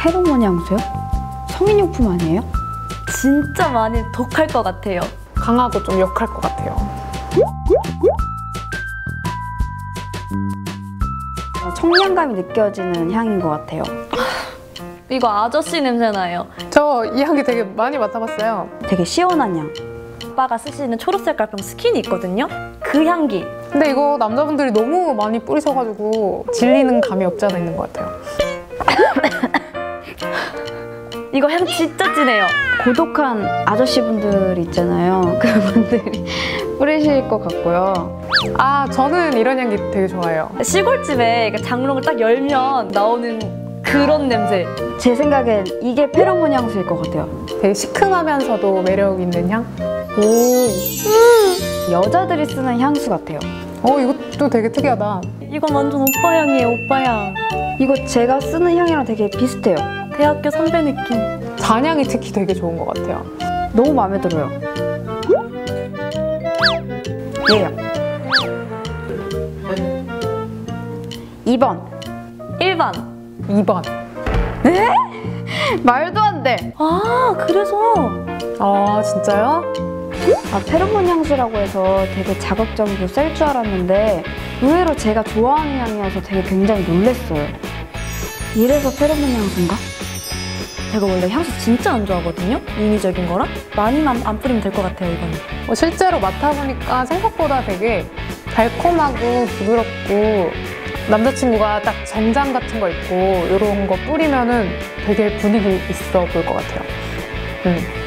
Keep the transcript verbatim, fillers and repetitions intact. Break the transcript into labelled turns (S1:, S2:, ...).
S1: 페로몬 향수요? 성인용품 아니에요?
S2: 진짜 많이 독할 것 같아요.
S3: 강하고 좀 역할 것 같아요.
S1: 청량감이 느껴지는 향인 것 같아요.
S2: 이거 아저씨 냄새나요.
S3: 저 이 향기 되게 많이 맡아봤어요.
S1: 되게 시원한 향.
S2: 오빠가 쓰시는 초록색 깔병 스킨이 있거든요. 그 향기.
S3: 근데 이거 남자분들이 너무 많이 뿌리셔가지고 질리는 감이 없지 않아 있는 것 같아요.
S2: 이거 향 진짜 진해요.
S1: 고독한 아저씨분들 있잖아요. 그분들이 뿌리실 것 같고요.
S3: 아, 저는 이런 향기 되게 좋아해요.
S2: 시골집에 장롱을 딱 열면 나오는 그런 냄새.
S1: 제 생각엔 이게 페로몬 향수일 것 같아요.
S3: 되게 시큼하면서도 매력 있는 향?
S1: 오, 여자들이 쓰는 향수 같아요.
S3: 어, 이것도 되게 특이하다.
S2: 이건 완전 오빠 향이에요, 오빠 향.
S1: 이거 제가 쓰는 향이랑 되게 비슷해요.
S2: 대학교 선배 느낌.
S3: 잔향이 특히 되게 좋은 것 같아요.
S1: 너무 마음에 들어요. 얘요. 이 번.
S2: 일 번.
S3: 이 번.
S1: 네? 말도 안 돼.
S2: 아, 그래서.
S3: 아, 진짜요?
S1: 아, 페로몬 향수라고 해서 되게 자극적이고 셀 줄 알았는데 의외로 제가 좋아하는 향이어서 되게 굉장히 놀랐어요. 이래서 페로몬 향수인가?
S2: 제가 원래 향수 진짜 안 좋아하거든요? 인위적인 거라? 많이만 안 뿌리면 될 것 같아요, 이거는.
S3: 어, 실제로 맡아보니까 생각보다 되게 달콤하고 부드럽고 남자친구가 딱 정장 같은 거 입고 이런 거 뿌리면은 되게 분위기 있어 보일 것 같아요. 음.